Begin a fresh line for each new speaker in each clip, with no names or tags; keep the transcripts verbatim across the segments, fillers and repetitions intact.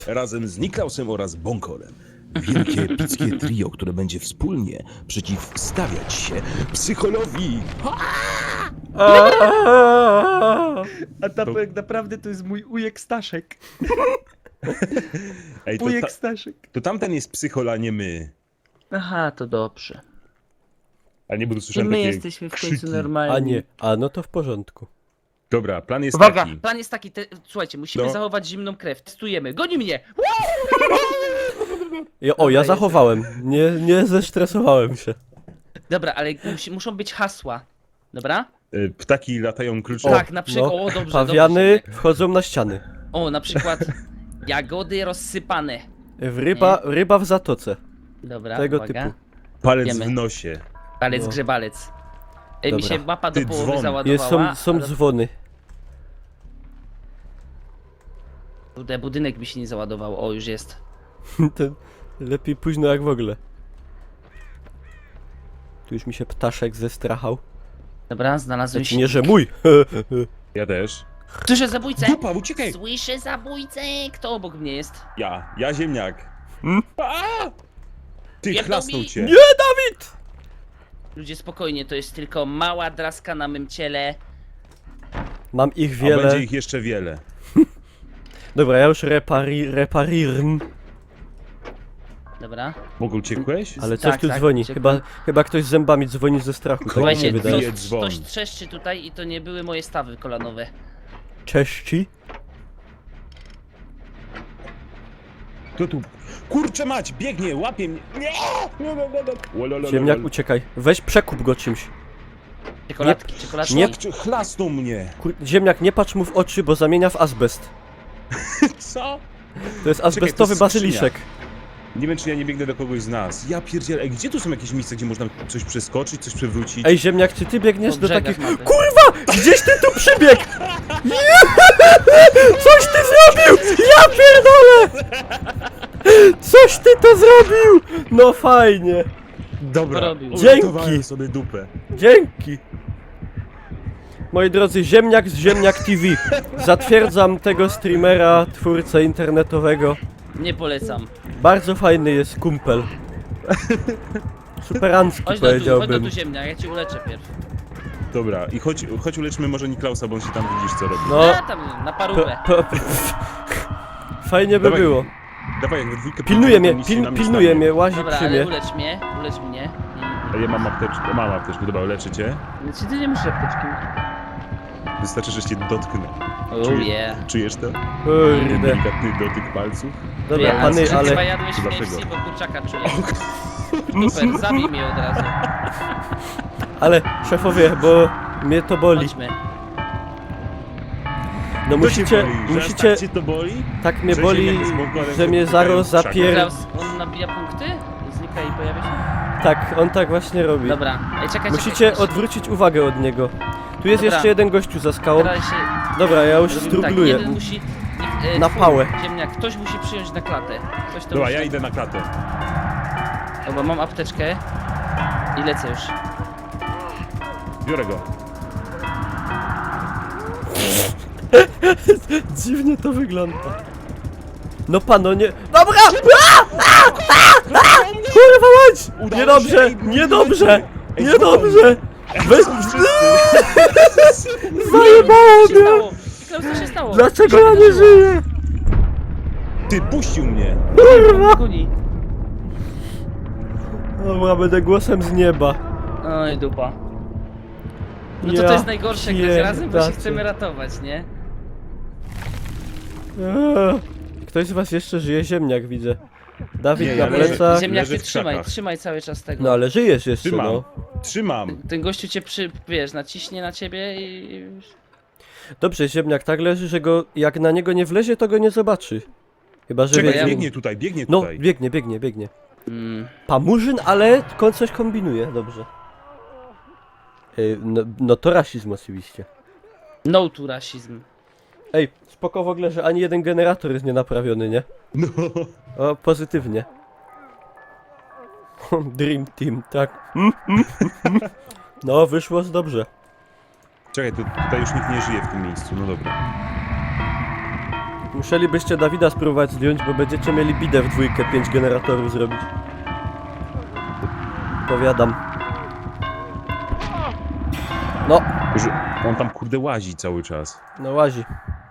razem z Niklausem oraz Bonkolem. Wielkie epickie trio, które będzie wspólnie przeciwstawiać się psycholowi.
A ta
To-
tak naprawdę to jest mój ujek Staszek.
Ej, to,
Ujek
ta,
Staszek.
to tamten jest psychol, a nie my.
Aha, to dobrze.
A nie, bo tu
I
słyszałem
my
takie
jesteśmy w
krzyki.
końcu normalni.
A nie, a no to w porządku.
Dobra, plan jest
Uwaga,
taki.
plan jest taki, te, słuchajcie, musimy
No.
zachować zimną krew. Testujemy, goni mnie!
Ja, o, ja
jest.
zachowałem. Nie, nie zestresowałem się.
Dobra, ale musi, muszą być hasła. Dobra?
Y, Ptaki latają krucze.
tak, na przykład,
no,
o dobrze,
Pawiany
dobrze.
wchodzą na ściany.
O, na przykład jagody rozsypane.
W ryba, ryba w zatoce.
Dobra,
Tego
uwaga.
typu.
Palec
Wiemy.
w nosie.
Palec
No.
grzebalec. Ej, mi
Dobra.
się mapa do
Ty,
połowy
dzwon.
załadowała.
Jest, są, są
ale...
dzwony.
Kurde, budynek mi się nie załadował. O, już jest.
Ten, lepiej późno jak w ogóle. Tu już mi się ptaszek zestrachał.
Dobra, znalazłem
Znaczy nie, że
silnik.
mój.
Ja też.
Słyszę zabójcę!
Dupa, uciekaj!
Słyszę zabójcę! Kto obok mnie jest?
Ja, ja ziemniak.
Hmm?
A! Ty,
Jebnął
chlasnął
mi.
cię.
Nie, Dawid!
Ludzie, spokojnie, to jest tylko mała draska na mym ciele.
Mam ich
A będzie
wiele.
ich jeszcze wiele.
Dobra, ja już repari, reparirn.
Dobra.
Mogę uciekłeś?
Ale coś
Tak,
tu
tak,
dzwoni.
uciekłem.
Chyba, chyba ktoś z zębami dzwoni ze strachu. Tak mi
Słuchajcie,
się
to
wydaje.
bije
ktoś,
dzwon.
ktoś trzeszczy tutaj i to nie były moje stawy kolanowe.
Cześci.
Kto tu? Kurczę mać, biegnie, łapie mnie. Nie! Nie, nie, nie, nie. Olololol.
Ziemniak, uciekaj. Weź przekup go czymś.
Czekoladki, czekoladki.
Nie-
Szlak, chlasnął mnie.
Kur... Ziemniak, nie patrz mu w oczy, bo zamienia w azbest.
Co?
To jest
to
azbestowy
jest
bazyliszek.
Nie wiem, czy ja nie biegnę do kogoś z nas. Ja pierdzielę, ej, gdzie tu są jakieś miejsca, gdzie można coś przeskoczyć, coś przewrócić?
Ej, ziemniak, czy ty biegniesz
Po
do
brzegach
takich...
mapy.
Kurwa! Gdzieś ty tu przybiegł! Nie! Coś ty zrobił! Ja pierdolę! Coś ty to zrobił! No fajnie.
Dobra,
Porobił.
uratowałem
Dzięki.
sobie dupę.
Dzięki. Moi drodzy, Ziemniak z Ziemniak T V. Zatwierdzam tego streamera, twórcę internetowego.
Nie polecam.
Bardzo fajny jest kumpel. Superancki
Chodź do tu, chodź do
powiedziałbym.
tu ziemnia, ja cię uleczę pierw.
Dobra, i chodź, chodź uleczmy może Niklausa, bo on się tam widzisz co robi.
No,
A, tam, na
po,
parówę.
po, fajnie by
Dawaj,
było.
Dawaj, jak we dwójkę
Pilnuje mnie,
pójdziemy, to nic się
pil,
nam nie
pilnuje
stanie.
mnie, łazi
Dobra,
przy
ale
mnie.
ulecz mnie, ulecz mnie.
A ja mam apteczkę, mam apteczkę, dobra, leczę cię.
I... Czy ty nie musisz apteczki?
Wystarczy, że cię dotknę.
Oh
Czujesz?
yeah.
Czujesz to?
Kurde.
Delikatny dotyk palców.
Dobra,
Ja,
pany,
ale... Chyba
ale...
jadłeś w K F C,
Dlaczego?
bo kurczaka czuję. Super, zabij mnie od razu.
Ale, szefowie, bo mnie to boli.
Chodźmy.
No
To cię
musicie,
boli, że aż
musicie...
tak cię to boli?
Tak mnie
że
boli,
ziemniak z Bonkolem
że mnie
pukają
zaraz
w krzakach.
zapier...
Klaus, on nabija punkty? Znika i pojawia się?
Tak, on tak właśnie robi.
Dobra, ej, czekaj,
Musicie
czekaj.
odwrócić uwagę od niego. Tu jest
Dobra.
jeszcze jeden gościu za skałą.
Teraz się...
Dobra, ja już
robimy tak,
strugluję.
jeden musi... niech, e,
Na
twój
pałę.
Ziemniak, ktoś musi przyjąć na klatę. Ktoś to
Dobra,
musi...
ja idę na klatę.
Dobra, mam apteczkę. I lecę już.
Biorę go.
Dziwnie to wygląda. No pano, nie... Dobra! A! A! A! A! Kurwa mać!
Udało
Niedobrze!
się.
Niedobrze!
Ej,
Niedobrze! Weź...
Wszyscy.
Zajebało
Co się
mnie!
stało? Klaus, co się stało?
Dlaczego ja nie żyję?
Ty, puścił mnie.
Kurwa!
Kuni.
Dobra, będę głosem z nieba.
Oj, dupa. No to
Ja
to jest najgorsze, grać razem, bo się
pierdacie.
chcemy ratować, nie?
Eee. Ktoś z was jeszcze żyje? Ziemniak widzę. Dawid
Nie,
na
ja leżę.
plecach.
Ziemniak,
leży
ty
w
trzymaj,
krzakach.
trzymaj cały czas tego.
No ale żyjesz jeszcze,
Trzymam.
no.
Trzymam.
Ten gościu cię przy, wiesz, naciśnie na ciebie i...
Dobrze, ziemniak tak leży, że go, jak na niego nie wlezie, to go nie zobaczy. Chyba, że
Czekaj,
wie...
biegnie tutaj, biegnie
No,
tutaj.
biegnie, biegnie, biegnie.
Mm.
Pamurzyn, ale kon- coś kombinuje, dobrze. Ej, no, no to rasizm oczywiście.
No to rasizm.
Ej, spoko w ogóle, że ani jeden generator jest nienaprawiony, nie?
No.
O, pozytywnie. Dream Team, tak. Mm, mm, mm. No, wyszło z dobrze.
Czekaj, tu, tutaj już nikt nie żyje w tym miejscu, no dobra.
Musielibyście Dawida spróbować zdjąć, bo będziecie mieli bidę w dwójkę pięć generatorów zrobić. Powiadam. No,
Że on tam kurde łazi cały czas.
no łazi.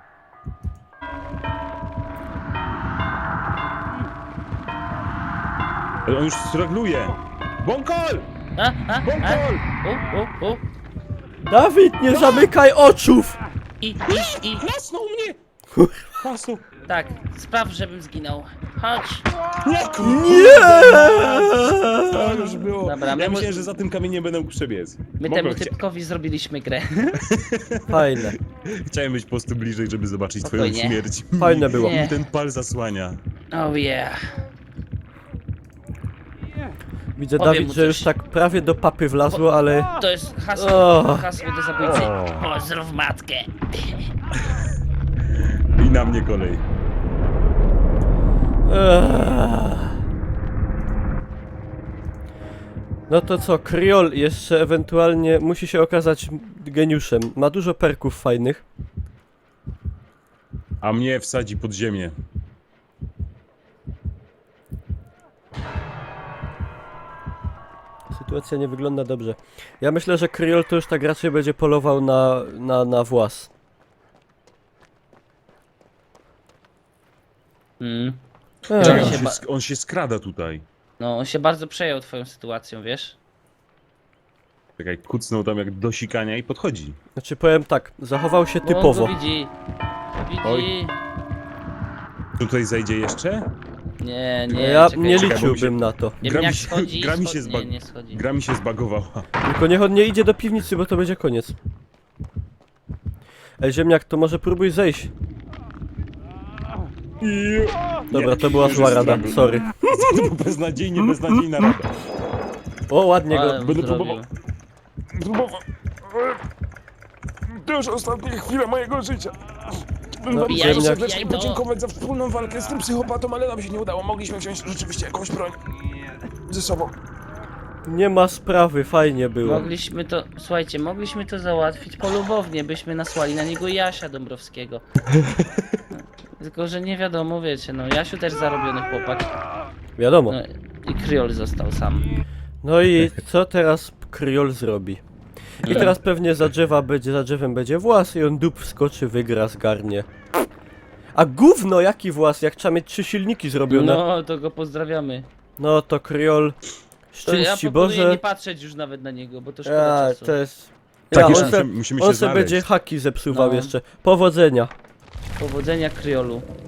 Ale on już stragluje. Bąkol!
A, a, a.
Bąkol!
U, u, u.
Dawid, nie zamykaj oczów!
I, i, i.
Klasnął mnie! Klasnął.
Tak, spraw, żebym zginął. Chodź.
Nie! kurde.
Nie!
To już było.
Dobra, my
Ja
mu-
myślałem, że za tym kamieniem będę mógł przebiec.
My
Mogłem,
temu
chcia-
typkowi zrobiliśmy grę.
Fajne.
Chciałem być po prostu bliżej, żeby zobaczyć twoją
Spokojnie.
śmierć.
Fajne było.
Nie.
Mi ten pal zasłania.
Oh yeah.
Widzę,
Powiem
Dawid,
mu
że już
coś.
tak prawie do papy wlazło, ale...
To jest hasło,
O.
hasło do zabójcy.
O.
Pozdrów matkę.
I na mnie kolej.
Eee. No to co, Kryol jeszcze ewentualnie musi się okazać geniuszem. Ma dużo perków fajnych.
A mnie wsadzi pod ziemię.
Sytuacja nie wygląda dobrze. Ja myślę, że Kryol to już tak raczej będzie polował na, na, na włas.
Mm.
Eee.
Czekaj, on,
się
się,
ba-
sk- on się skrada tutaj.
No, on się bardzo przejął twoją sytuacją, wiesz?
Czekaj, kucnął tam jak do sikania i podchodzi.
Znaczy powiem tak, zachował się
Bo on
typowo.
go widzi. Widzi.
Oj. Tutaj zajdzie jeszcze?
Nie, nie,
Ja
czekaj,
nie
czekaj.
liczyłbym na to.
Nie
Gra
wiem
mi
jak
się-
schodzi,
gra mi
scho-
się zbag-
Nie, nie schodzi.
Gra mi się zbagowała.
Tylko niech on nie idzie do piwnicy, bo to będzie koniec. Ej, ziemniak, to może próbuj zejść. Dobra, to była
Już
zła
jest
rada,
struggle.
sorry.
To był beznadziejnie, beznadziejna rada.
O, ładnie go.
Ale
Będę
zrobił.
próbował. Próbował. To już ostatnie chwile mojego życia.
No,
Bijaj,
ziemniak.
serdecznie
bijaj, no.
podziękować za wspólną walkę z tym psychopatą, ale nam się nie udało. Mogliśmy wziąć rzeczywiście jakąś broń ze sobą.
Nie ma sprawy, fajnie było.
Mogliśmy to, słuchajcie, mogliśmy to załatwić polubownie, byśmy nasłali na niego Jasia Dąbrowskiego. Tylko, że nie wiadomo, wiecie, no Jasiu też zarobiony chłopak.
Wiadomo.
No, i Kryol został sam.
No i co teraz Kryol zrobi? I teraz pewnie za drzewa będzie, za drzewem będzie włas i on dup wskoczy, wygra, zgarnie. A gówno, jaki włas, jak trzeba mieć trzy silniki zrobione. No,
No, to go pozdrawiamy.
to Kryol,
To ja
szczęść ci
proponuję
Boże.
nie patrzeć już nawet na niego, bo to szkoda
Ja,
czasu.
to jest...
Tak,
Ja,
jeszcze
on se,
musimy, musimy
on
się
se
znaleźć.
będzie haki zepsuwał
No.
jeszcze. Powodzenia.
Powodzenia Kryolu.